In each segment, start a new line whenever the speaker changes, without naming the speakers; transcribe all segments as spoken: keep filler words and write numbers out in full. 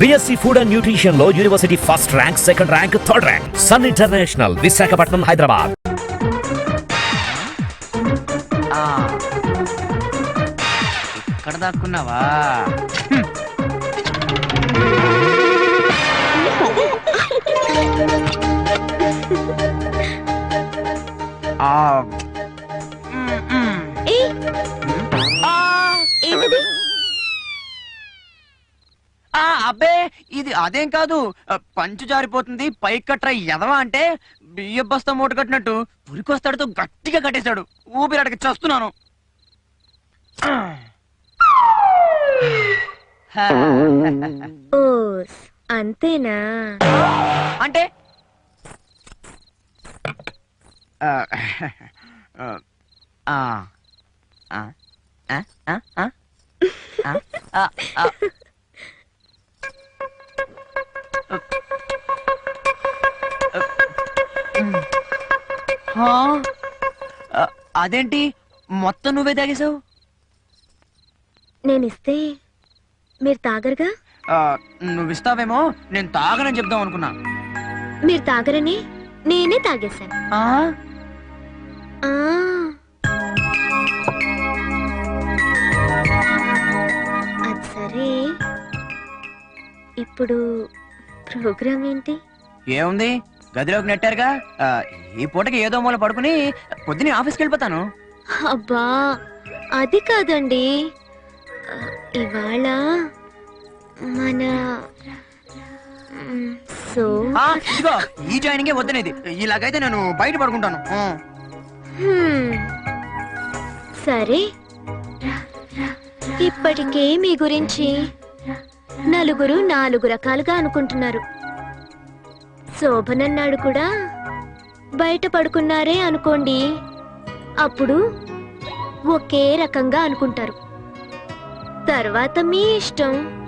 BSc food and nutrition లో university first rank, second rank, third rank. Sun International, Visakhapatnam, Hyderabad.
ఇక్కడ దాక్కున్నావా? అబ్బే ఇది అదేం కాదు, పంచు జారిపోతుంది పైకి కట్రా ఎదవా అంటే బియ్య బస్తా మూట కట్టినట్టు పురికొస్తాడుతో గట్టిగా కట్టేశాడు. ఊపిరాడకి చస్తున్నాను.
అంతేనా?
అంటే అదేంటి మొత్తం నువ్వే తాగేశావు?
నేనిస్తే మీరు తాగరుగా?
నువ్విస్తావేమో నేను తాగనని చెప్దాం అనుకున్నా.
మీరు తాగరని నేనే తాగేశాను. అది సరే, ఇప్పుడు ప్రోగ్రామ్ ఏంటి?
ఏముంది, గదిలోకి నెట్టారుగా. ఈ పూటకి ఏదో మూల పడుకుని పొద్దునే ఆఫీస్కి వెళ్ళిపోతాను.
అబ్బా అది కాదండి, ఇవాళ మన సో
ఇదిగో ఈ జాయినింగే వద్దనేది. ఇలాగైతే నేను బయట పడుకుంటాను.
సరే, ఇప్పటికే మీ గురించి నలుగురు నాలుగు రకాలుగా అనుకుంటున్నారు. శోభనన్నాడు కూడా బయట పడుకున్నారే అనుకోండి, అప్పుడు ఒకే రకంగా అనుకుంటారు. తర్వాత మీ ఇష్టం.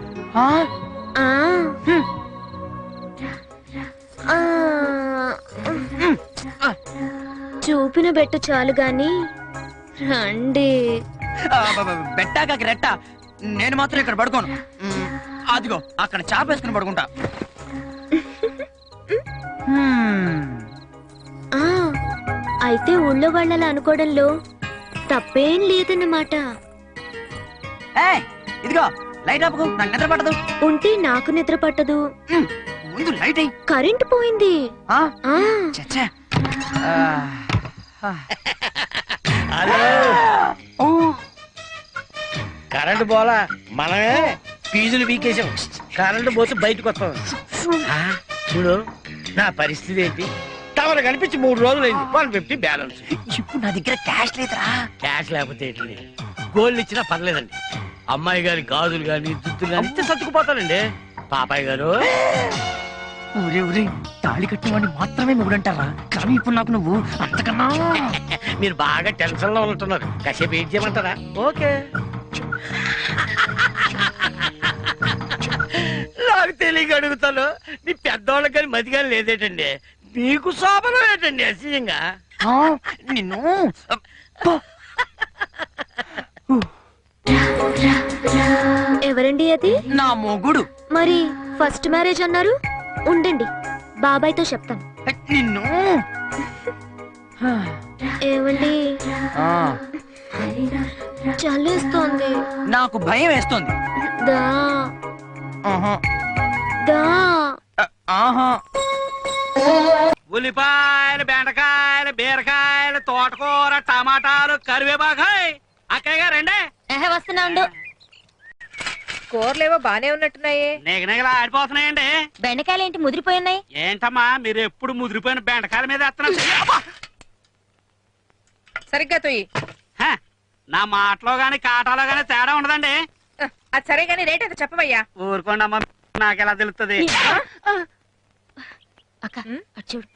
చూపిన బెట్ట చాలు గాని రండి.
బెట్టాక రెట్ట, నేను మాత్రం ఇక్కడ పడుకోను. అదిగో అక్కడ చాపేసుకుని పడుకుంటా.
అయితే ఊళ్ళో వాళ్ళలా అనుకోవడంలో తప్పేం లేదన్నమాట.
ఇదిగో లైట్ ఆపుకో, నాకు నిద్ర పట్టదు.
ఉంటే నాకు నిద్ర పట్టదు.
ముందు లైట్ అయ్యి.
కరెంట్ పోయింది.
కరెంట్ పోలా, మనమే ఫీజులు వీకేసాం. కరెంట్ పోతే బయటకు వస్తాం. చూడు నా పరిస్థితి ఏంటి, టవర్ కనిపించి మూడు రోజులైంది. One fifty balance.
ఇప్పుడు నా దగ్గర క్యాష్ లేదురా.
క్యాష్ లేకపోతే ఏంటి, గోల్డ్ ఇచ్చినా పర్లేదండి. అమ్మాయి గారి గాజులు గాని దుద్దులు గాని ఇస్తే సర్దుకుపోతానండి. పాపాయ్ గారు,
ఊరే ఊరే తాళి కట్టిన వాడిని మాత్రమే మొగుడంటారా? కానీ ఇప్పుడు నాకు నువ్వు అంతకన్నా.
మీరు బాగా టెన్షన్ లో ఉంటున్నారు, కాసేపు ఏం చేయమంటారా? ఓకే. నాకు తెలియక అడుగుతాను, నీ పెద్దవాళ్ళకి కానీ మతి కానీ లేదేటండి, నీకు శోభనం ఏంటండి అసహ్యంగా?
నిన్ను
ఎవరండి అది?
నా మొగుడు.
మరి ఫస్ట్ మ్యారేజ్ అన్నారు, ఉండండి బాబాయ్తో చెప్తాను.
నిన్ను
ఏమండి, చల్లేస్తోంది.
నాకు భయం వేస్తోంది.
దా దా
ఉల్లిపాయలు, బెండకాయలు, బీరకాయలు, తోటకూర, టమాటాలు, కరివేపాకాయ్. అక్కయ్య గారండి.
వస్తున్నా ఉండు.
కూరలేవో బానే ఉన్నట్టున్నాయే.
నిగనిగలా ఆడిపోతున్నాయండి.
బెండకాయలు ఏంటి ముదిరిపోయినాయి?
ఏంటమ్మా మీరు ఎప్పుడు ముదిరిపోయిన బెండకాయల మీద వేస్తున్నారు?
సరిగ్గా తొయ్యి.
నా మాటలో గాని కాటాలో గాని తేడా ఉండదండి.
అది సరే గాని రేట్ ఎంత చెప్పవయ్యా?
ఊరుకోండి అమ్మా, నాకెలా తెలుస్తుంది?
చూడు.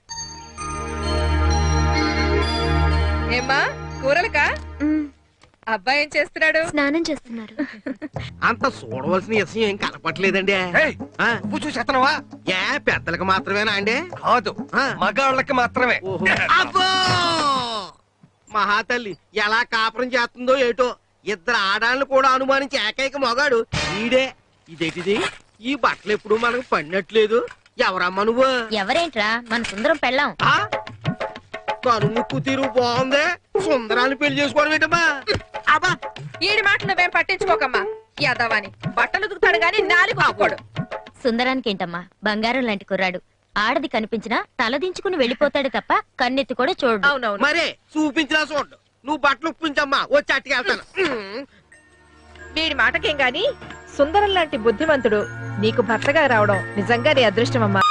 ఏమ్మా కూరలకా? అబ్బాయి ఏం చేస్తున్నాడు?
స్నానం చేస్తున్నారు.
అంత చూడవలసిన విషయం ఏం కనపట్లేదండి.
నువ్వు చూసేస్తున్నావా?
ఏ పెద్దలకు మాత్రమేనా అండి?
కాదు, మగాళ్ళకి మాత్రమే.
అబ్బో మహాతల్లి ఎలా కాపురం చేస్తుందో ఏటో. ఇద్దరు ఆడాలను కూడా అనుమానించి ఏకైక మగాడు ఈడే. ఇదేటిది ఈ బట్టలు ఎప్పుడు మనకు పడినట్లేదు. ఎవరమ్మా నువ్వు?
ఎవరేంట్రా మన సుందరం పెళ్ళాం.
ఆ? కనుముక్కు తీరు బాగుంది. సుందరాన్ని పెళ్లి చేసుకోవడం ఏంటమ్మా? అబ్బా
ఈడి మాట నువ్వేం పట్టించుకోకమ్మా. యాదవాని బట్టలు ఉతుకుతాడు గాని నాలుగు కొట్టుకోడు.
సుందరానికి ఏంటమ్మా బంగారం లాంటి కుర్రాడు. ఆడది కనిపించినా తలదించుకుని వెళ్ళిపోతాడు తప్ప కన్నెత్తి కూడా చూడు.
అవునవును.
మరే చూపించినా చూడు. నువ్వు బట్టలు ఉప్పించమ్మా, వచ్చి అట్టుకెళ్తాను.
వీడి మాటకేం గాని సుందరం లాంటి బుద్ధిమంతుడు నీకు భర్తగా రావడం నిజంగా నీ అదృష్టమమ్మా.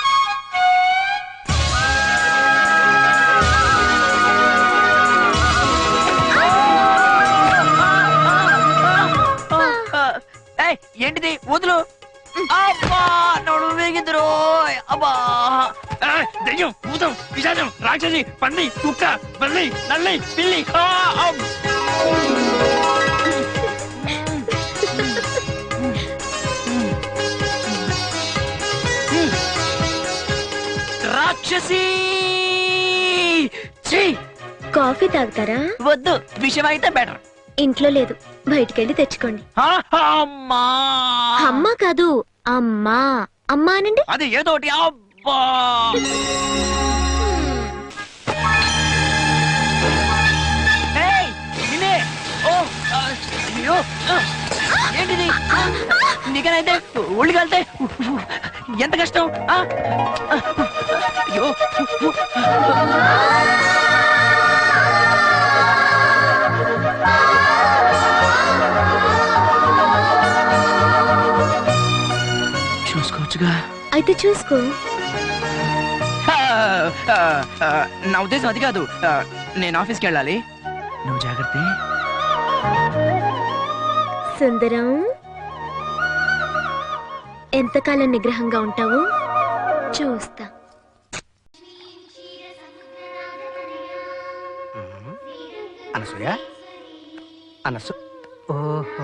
ఏయ్, ఏంటిది వదులు. అబ్బా నడు వేగిందిరో. అబ్బా
ఆ, దెయ్యం, భూతం, పిశాచం, రాక్షసి, పంది, కుక్క, బల్లి, నల్లి, పిల్లి. ఆ, అమ్.
రాక్షసి. ఛీ,
కాఫీ తాగుతారా?
వద్దు, విషయం అయితే బెటర్.
ఇంట్లో లేదు, బయటికెళ్ళి తెచ్చుకోండి.
అమ్మా
అమ్మా కాదు అమ్మా. అమ్మా అనండి.
అది ఏదోటి. అబ్బా ఏయ్, నిన్నే. ఓ, ఆ, అయ్యో, ఆ, ఏంటిది? నీకనైతే ఒళ్ళు కలితే ఎంత కష్టం. ఆ, అయ్యో చూసుకోవచ్చుగా.
అయితే చూసుకో.
ఆ, ఆ, ఆ, నా ఉద్దేశం అది కాదు. ఆ, నేను ఆఫీస్కి వెళ్ళాలి. నువ్వు జాగ్రత్త.
సుందరం ఎంతకాలం నిగ్రహంగా ఉంటావు చూస్తా.
అనసూయ అనసు ఓహో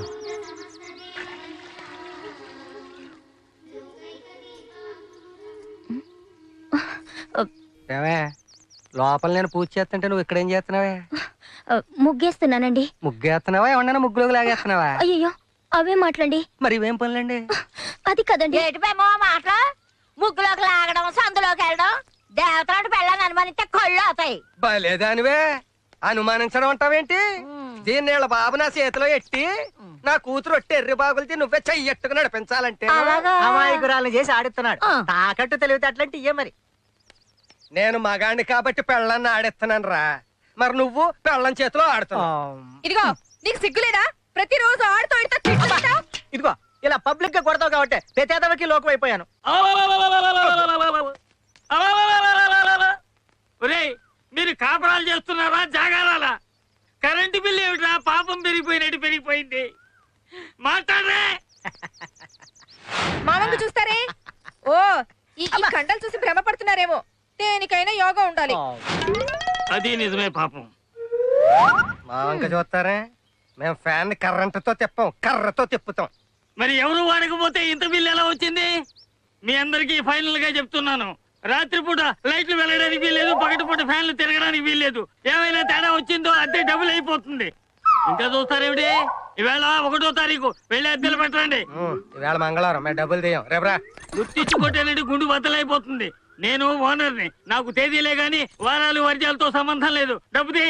ఏమే లోపల నేను పూజ చేస్తుంటే నువ్వు ఇక్కడేం చేస్తున్నావే?
ముగ్గేస్తున్నానండి.
ముగ్గేస్తున్నావా ఏమన్నా ముగ్గులోకి లాగేస్తున్నావా?
అయ్యో అవే మాట్లాడి.
మరి ఇవేం పనులండి?
అది కదండి.
ఏటిపేమో మాట ముగ్గులోకి లాగడం సందులోకి వెళ్ళడం దేవతలాంటి పెళ్ళని అనుమానిస్తే కళ్ళు అవుతాయి.
బలేదానివే అనుమానించడం అంటావేంటి? దీన్ని వీళ్ళ బాబు నా చేతిలో ఎట్టి నా కూతురు ఒట్టి ఎర్రి బాగులతో నువ్వే చెయ్యట్టుకు నడిపించాలంటే
అమాయకురాలను చేసి ఆడిస్తున్నాడు. తాకట్టు తెలివితే అట్లాంటి ఇయ్యే మరి.
నేను మగాణ్ణి కాబట్టి పెళ్ళాన్ని ఆడిస్తున్నాను రా. మరి నువ్వు పెళ్ళం చేతిలో ఆడుతున్నావు.
ఇదిగో నీకు సిగ్గులేదా? ప్రతిరోజు ఆడుతూ ఆడుతూ తిట్టుకుంటావ్.
ఇదిగో ఇలా పబ్లిక్ గా కొడతావు కాబట్టి ప్రతేదవకి లోకం అయిపోయాను.
ఒరేయ్, మీరు కాపురాలు చేస్తున్నారా జాగారాలా? కరెంటు బిల్లు ఏమిట్రా పాపం పెరిగిపోయినట్టు పెరిగిపోయింది. మాట్లాడరే.
మా వంక చూస్తారే. ఓ ఈ ఈ కండలు చూసి భ్రమపడుతున్నారేమో. దేనికైనా యోగా ఉండాలి.
అది నిజమే పాపం.
మా వంక చూస్తారే. మేము ఫ్యాన్ కర్రంటతో తిప్పాం, కర్రతో తిప్పుతాం.
మరి ఎవరు వాడకపోతే ఇంత బిల్లు ఎలా వచ్చింది? మీ అందరికీ ఫైనల్ గా చెప్తున్నాను, రాత్రిపూట లైట్లు వెళ్ళడానికి వీల్లేదు, పగటిపూట ఫ్యాన్లు తిరగడానికి వీల్లేదు. ఏమైనా తేడా వచ్చిందో అద్దె డబుల్ అయిపోతుంది. ఇంకా చూస్తారేమిటి? ఈవేళ ఒకటో తారీఖు వెళ్ళి అద్దెలు పెట్టండి.
ఈవేళ మంగళవారం మేము డబ్బులు తీయం. రేపరా
గుర్తించుకోటేనంటే గుండు బద్దలైపోతుంది. నేను ఓనర్ని, నాకు తేదీలే గాని వారాలు వర్జాలతో సంబంధం లేదు. డబ్బు తీ.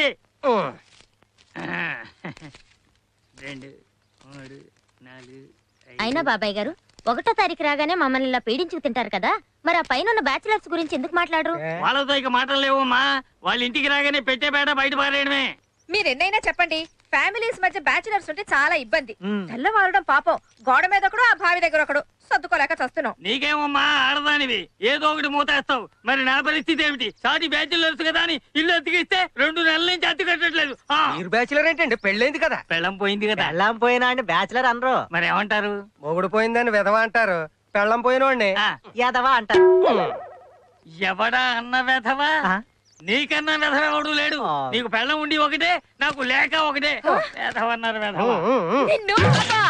రెండు మూడు నాలుగు
అయినా బాబాయ్ గారు ఒకటో తారీఖు రాగానే మమ్మల్ని ఇలా పీడించుకు తింటారు కదా, మరి ఆ పైన ఉన్న బ్యాచిలర్స్ గురించి ఎందుకు మాట్లాడరు?
వాళ్ళతో ఇక మాటలు లేవమ్మా. వాళ్ళ ఇంటికి రాగానే పెట్టే పేట బయట పారేయడమే.
మీరెన్నైనా చెప్పండి, ఫ్యామిలీస్ మధ్య బ్యాచిలర్స్ ఉంటే చాలా ఇబ్బంది. తెల్లవారడం పాపం. గోడ మీద ఒకడు, ఆ బావి దగ్గర ఒకడు. సర్దుకోలేక చస్తున్నాం.
నీకేమమ్మా ఆడదానివి, ఏదో ఒకటి మూతేస్తావు. మరి నా పరిస్థితి ఏమిటి? సాటి బ్యాచులర్స్ కదా అని ఇల్లు అతికిస్తే రెండు నెలల నుంచి అతి కట్టట్లేదు.
మీరు బ్యాచులర్ ఏంటండి? పెళ్ళైంది కదా.
పెళ్ళం పోయింది కదా.
పెళ్ళాం పోయినా అండి బ్యాచిలర్ అనరు.
మరి ఏమంటారు?
మొగుడు పోయిందని విధవ అంటారు. పెళ్ళం పోయినోడిని
ఆ,
యాదవా అంటారు.
ఎవడా అన్న వెధవా? నీకన్నా వెధవ ఎవడు లేడు.
ఆ.
నీకు పెళ్ళం ఉండి ఒకటే, నాకు లేక ఒకటే. వెధవ అన్నారు వెధవ.
నిన్ను